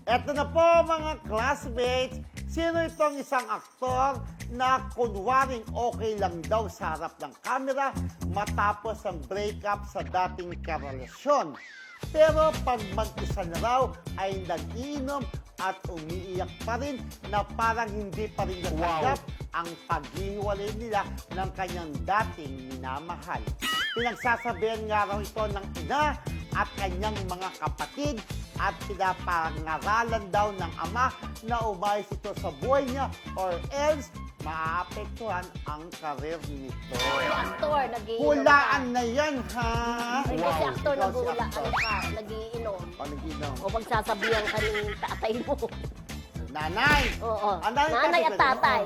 Eto na po mga classmates, sino itong isang aktor na kunwaring okay lang daw sa harap ng kamera matapos ang breakup sa dating karelasyon. Pero pag mag-isa na raw ay nag-iinom at umiiyak pa rin na parang hindi pa rin natanggap ang paghihiwalay nila ng kanyang dating minamahal. Pinagsasabihan nga raw ito ng ina at kanyang mga kapatid at pinapangaralan daw ng ama na umayos ito sa buhay niya or else maapektuhan ang karir nito. Aktor, nagiinom Hulaan na yan, ha? Ay, kasi aktor, Ikaw si naghulaan aktor. ka, nagiinom. Panaginom. O magsasabihan ka ng tatay mo. Nanay! Oo. Ang nanay Nanay at tatay.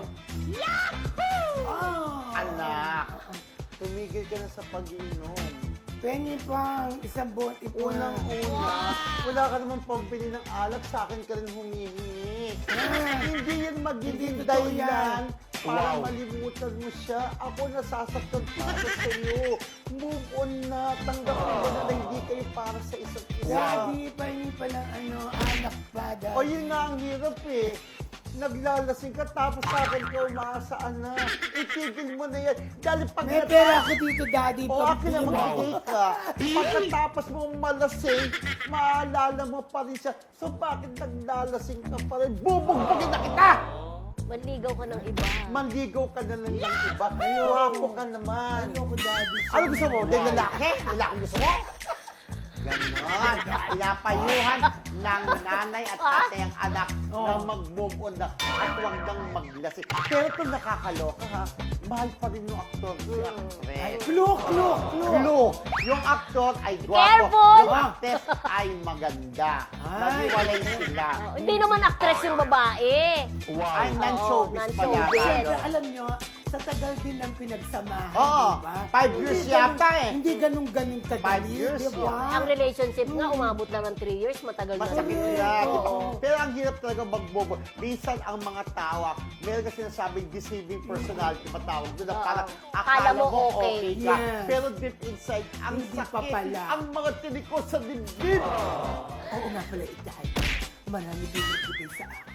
Anak, tumigil ka na sa pag-iinom. Penny pang isang buwan ipon. Unang-una, wala ka naman pambili ng alak, sa akin ka rin humihingi. Hindi yan magiging Hindi totoo dahilan yan. para malimutan mo siya. Ako nasasaktan para sa iyo. Move on na, tanggapin mo na hindi kayo para sa isa't isa. Daddy, penny pa ng anak pa, daddy. O yun nga ang hirap eh. Naglalasing ka tapos sa akin ka umaasaan na. Itigil mo na yan. Dahil pag May pera ako dito, daddy. O akin na magbigay ka. Pagkatapos mo malasing, maalala mo pa rin siya. So bakit naglalasing ka pa rin? Bubugbugin na kita! Manligaw ka ng iba. Manligaw ka na lang ng iba. Guwapo ka naman. Ano ko, daddy? Ano gusto mo? Dahil lalaki? Lalaki gusto mo? Ganon. Pinapayuhan ng nanay at tatay ang anak na mag-move on na at huwag nang maglasing. Pero ito nakakaloka ha. Mahal pa rin yung aktor si actress. Look. Clue. Yung aktor ay gwapo. Careful! Yung actress ay maganda. Ay. Naghiwalay sila. Hindi naman actress yung babae. Ay, non-showbiz Oo, pala. non-showbiz. Siyempre, alam nyo, sa tagal din ng pinagsamahan, Oo. diba? 5 years Hindi yata ganun- eh. Hindi ganun-ganun kadali, 5 years, diba? Ang relationship nga, umabot lang ng 3 years, matagal na. Masakit rin. yan. Oo. Pero ang hirap talaga magbobo. Minsan ang mga tao, meron kasi sinasabing deceiving personality matawag doon na Oo. parang Akala akala mo mo okay. okay ka. Yes. Pero deep inside, ang Hindi pa sakit, pala. ang mga tinikos sa dibdib. Oo nga pala, Itay. Marami din nagbigay sa akin.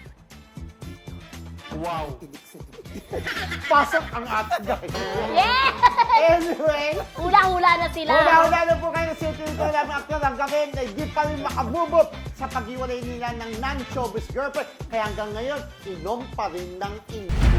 Wow. Tinig sa dibdib. Pasok ang ating guys. Yeah! Anyway, Hula-hula na sila. hula-hula na po kayo sa ito ng aktor hanggang ngayon na hindi pa rin makabubot sa pag-iwalay nila ng non-showbiz girlfriend. Kaya hanggang ngayon, inom pa rin ng inom.